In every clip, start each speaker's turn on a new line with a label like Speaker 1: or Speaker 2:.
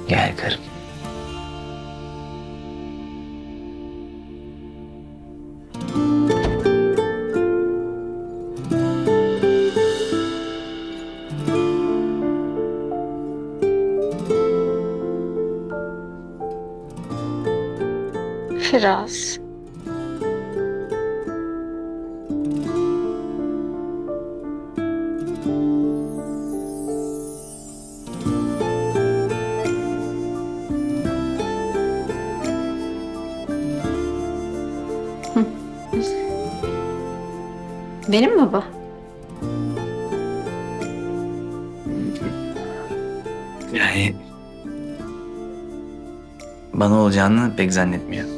Speaker 1: Gel karım.
Speaker 2: Firaz. Benim mi baba?
Speaker 1: Yani bana olacağını pek zannetmiyor.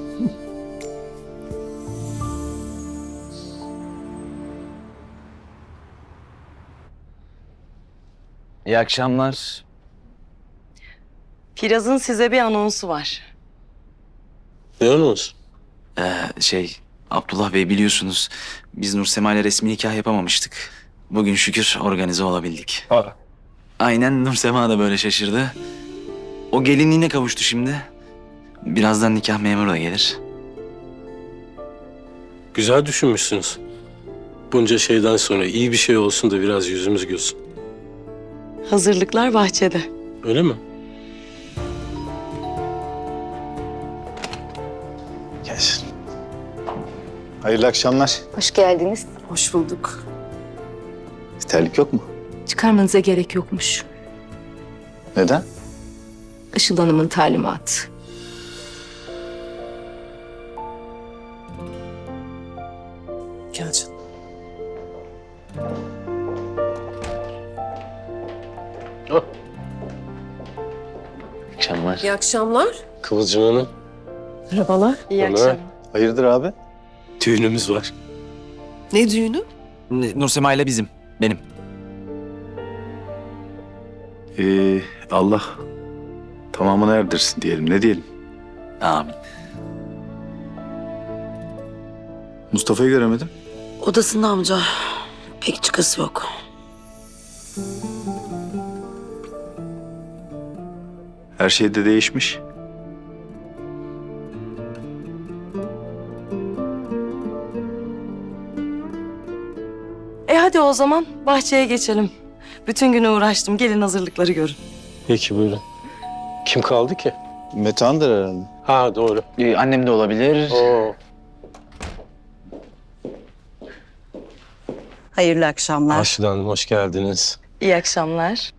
Speaker 1: İyi akşamlar.
Speaker 3: Firaz'ın size bir anonsu var.
Speaker 4: Ne anons?
Speaker 1: Abdullah Bey biliyorsunuz biz Nursema ile resmi nikah yapamamıştık. Bugün şükür organize olabildik. Aynen Nursema da böyle şaşırdı. O gelinliğine kavuştu şimdi. Birazdan nikah memuru da gelir.
Speaker 4: Güzel düşünmüşsünüz. Bunca şeyden sonra iyi bir şey olsun da biraz yüzümüz gülsün.
Speaker 3: Hazırlıklar bahçede.
Speaker 4: Öyle mi?
Speaker 5: Gelsin. Hayırlı akşamlar.
Speaker 6: Hoş geldiniz.
Speaker 7: Hoş bulduk.
Speaker 5: Terlik yok mu?
Speaker 7: Çıkarmanıza gerek yokmuş.
Speaker 5: Neden?
Speaker 7: Işıl Hanım'ın talimatı.
Speaker 4: Gel canım.
Speaker 1: Akşamlar.
Speaker 7: İyi akşamlar.
Speaker 4: Kıvılcım Hanım,
Speaker 7: Merhabalar.
Speaker 3: İyi
Speaker 4: Ömer.
Speaker 3: akşamlar.
Speaker 5: Hayırdır abi?
Speaker 4: düğünümüz var.
Speaker 7: Ne düğünü?
Speaker 1: Nursema ile bizim. Benim.
Speaker 5: Allah tamamını erdirsin diyelim. Ne diyelim?
Speaker 1: Amin.
Speaker 5: Mustafa'yı göremedim.
Speaker 8: Odasında amca. Pek çıkası yok.
Speaker 5: Her şey de değişmiş.
Speaker 3: Hadi o zaman bahçeye geçelim. Bütün günü uğraştım. Gelin hazırlıkları görün.
Speaker 4: Peki buyurun. Kim kaldı ki?
Speaker 5: Metehan'dır herhalde.
Speaker 4: Ha doğru.
Speaker 1: Annem de olabilir.
Speaker 4: Oo.
Speaker 8: Hayırlı akşamlar.
Speaker 4: Aşıda Hanım hoş geldiniz.
Speaker 3: İyi akşamlar.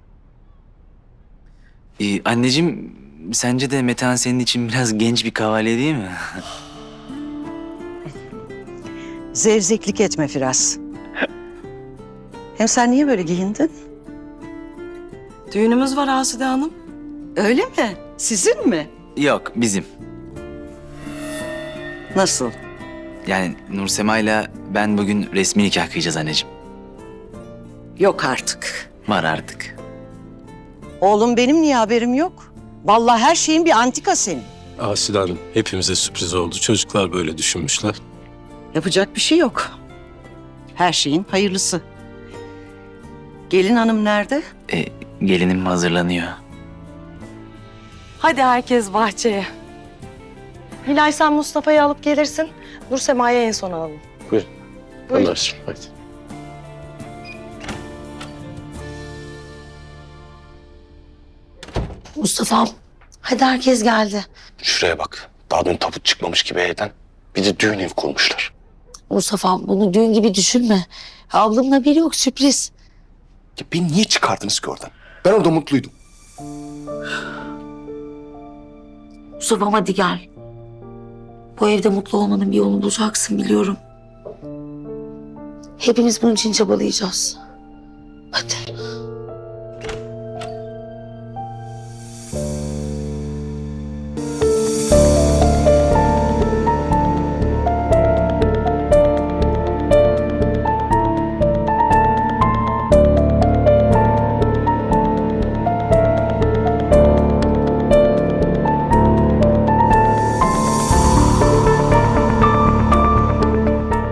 Speaker 1: Anneciğim sence de Metehan senin için biraz genç bir kavalye değil mi?
Speaker 8: Zevzeklik etme Firaz. Hem sen niye böyle giyindin?
Speaker 3: Düğünümüz var Asude Hanım.
Speaker 8: Öyle mi? Sizin mi?
Speaker 1: Yok bizim.
Speaker 8: Nasıl?
Speaker 1: Yani Nursema ile ben bugün resmi nikah kıyacağız anneciğim.
Speaker 8: Yok artık.
Speaker 1: Var artık.
Speaker 8: Oğlum benim niye haberim yok? Vallahi her şeyin bir antika senin.
Speaker 4: Asile Hanım hepimize sürpriz oldu. Çocuklar böyle düşünmüşler.
Speaker 8: Yapacak bir şey yok. Her şeyin hayırlısı. Gelin hanım nerede?
Speaker 1: Gelinim hazırlanıyor.
Speaker 3: Hadi herkes bahçeye. Hilal sen Mustafa'yı alıp gelirsin. Nursema'yı en son alalım.
Speaker 4: Buyurun.
Speaker 3: Buyurun.
Speaker 4: Ömerciğim hadi.
Speaker 8: Mustafa'm. Hadi herkes geldi.
Speaker 9: Şuraya bak. Daha dün tabut çıkmamış gibi evden. Bir de düğün evi kurmuşlar.
Speaker 8: Mustafa'm bunu düğün gibi düşünme. Ablamın haberi yok, sürpriz.
Speaker 9: Ya beni niye çıkardınız ki oradan? Ben orada mutluydum.
Speaker 8: Mustafa'm hadi gel. Bu evde mutlu olmanın bir yolunu bulacaksın biliyorum. Hepimiz bunun için çabalayacağız. Hadi.